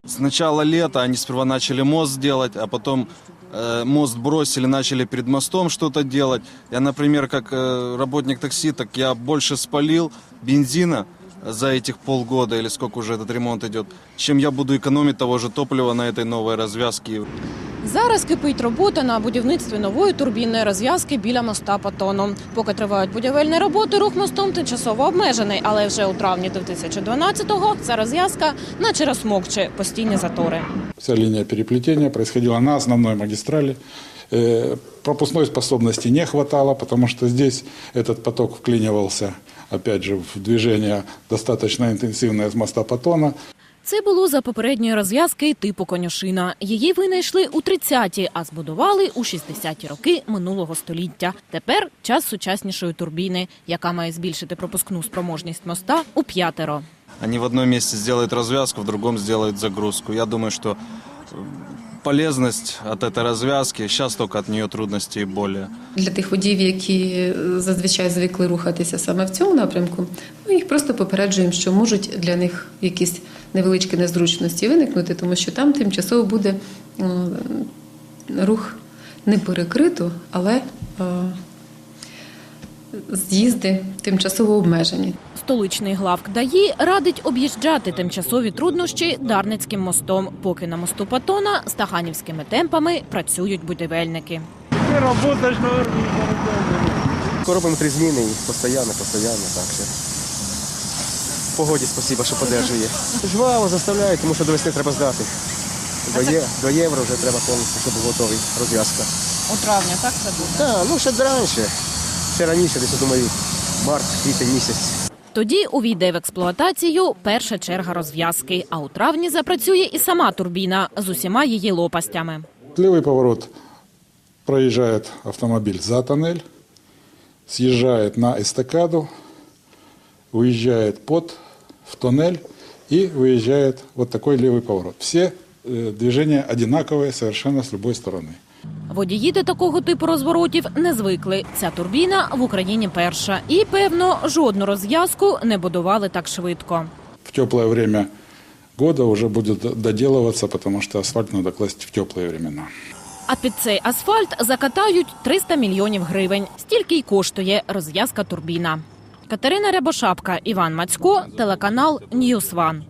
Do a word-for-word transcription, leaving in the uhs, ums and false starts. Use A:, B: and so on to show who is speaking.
A: С начала лета они сперва начали мост делать, а потом э, мост бросили, начали перед мостом что-то делать. Я, например, как э, работник такси, так я больше спалил бензина за этих полгода, или сколько уже этот ремонт идет, чем я буду экономить того же топлива на этой новой развязке.
B: Зараз кипить робота на будівництві нової турбінної розв'язки біля моста Патону. Поки тривають будівельні роботи, рух мостом тимчасово обмежений, але вже у травні дві тисячі дванадцятого ця розв'язка наче розсмокче постійні затори.
C: Вся линия переплетения происходила на основной магистрали. Э, Пропускной способности не хватало, потому что здесь этот поток вклинивался, опять же, в движение достаточно интенсивное с моста Патона.
B: Це було за попередньої розв'язки типу конюшина. Її винайшли у тридцяті, а збудували у шістдесяті роки минулого століття. Тепер час сучаснішої турбіни, яка має збільшити пропускну спроможність моста у п'ятеро.
A: Они в одном месте сделают развязку, в другом сделают загрузку. Я думаю, что полезность от этой развязки, сейчас только от нее трудности и боли.
D: Для тих водіїв, які зазвичай звикли рухатися саме в цьому напрямку, ми їх просто попереджуємо, що можуть для них якісь невеличкі незручності виникнути, тому що там тимчасово буде рух не перекрито, але з'їзди тимчасово обмежені.
B: Столичний главк ДАІ радить об'їжджати тимчасові труднощі Дарницьким мостом, поки на мосту Патона стаханівськими темпами працюють будівельники.
E: Робимо три зміни і постійно, постійно, так що. Погоді спасибо, що підтримує. Жваво заставляють, тому що до весни треба здати. До, є, до євро вже треба повністю, щоб був готовий розв'язка.
B: У травні, так це буде?
E: Так, ну ще раніше. Ще раніше, десь, я думаю, март, квітень місяць.
B: Тоді увійде в експлуатацію перша черга розв'язки, а у травні запрацює і сама турбіна з усіма її лопастями.
C: Левый поворот проезжает автомобиль за тоннель, съезжает на эстакаду, уезжает под в тоннель и выезжает вот такой левый поворот. Все э, движения одинаковые совершенно с любой стороны.
B: Водії до такого типу розворотів не звикли. Ця турбіна в Україні перша. І, певно, жодну розв'язку не будували так швидко.
C: В теплое время года уже будет доделываться, потому что асфальт надо класть в теплые времена.
B: А під цей асфальт закатають триста мільйонів гривень. Стільки й коштує розв'язка турбіна. Катерина Рябошапка, Іван Мацько, телеканал Ньюс Ван.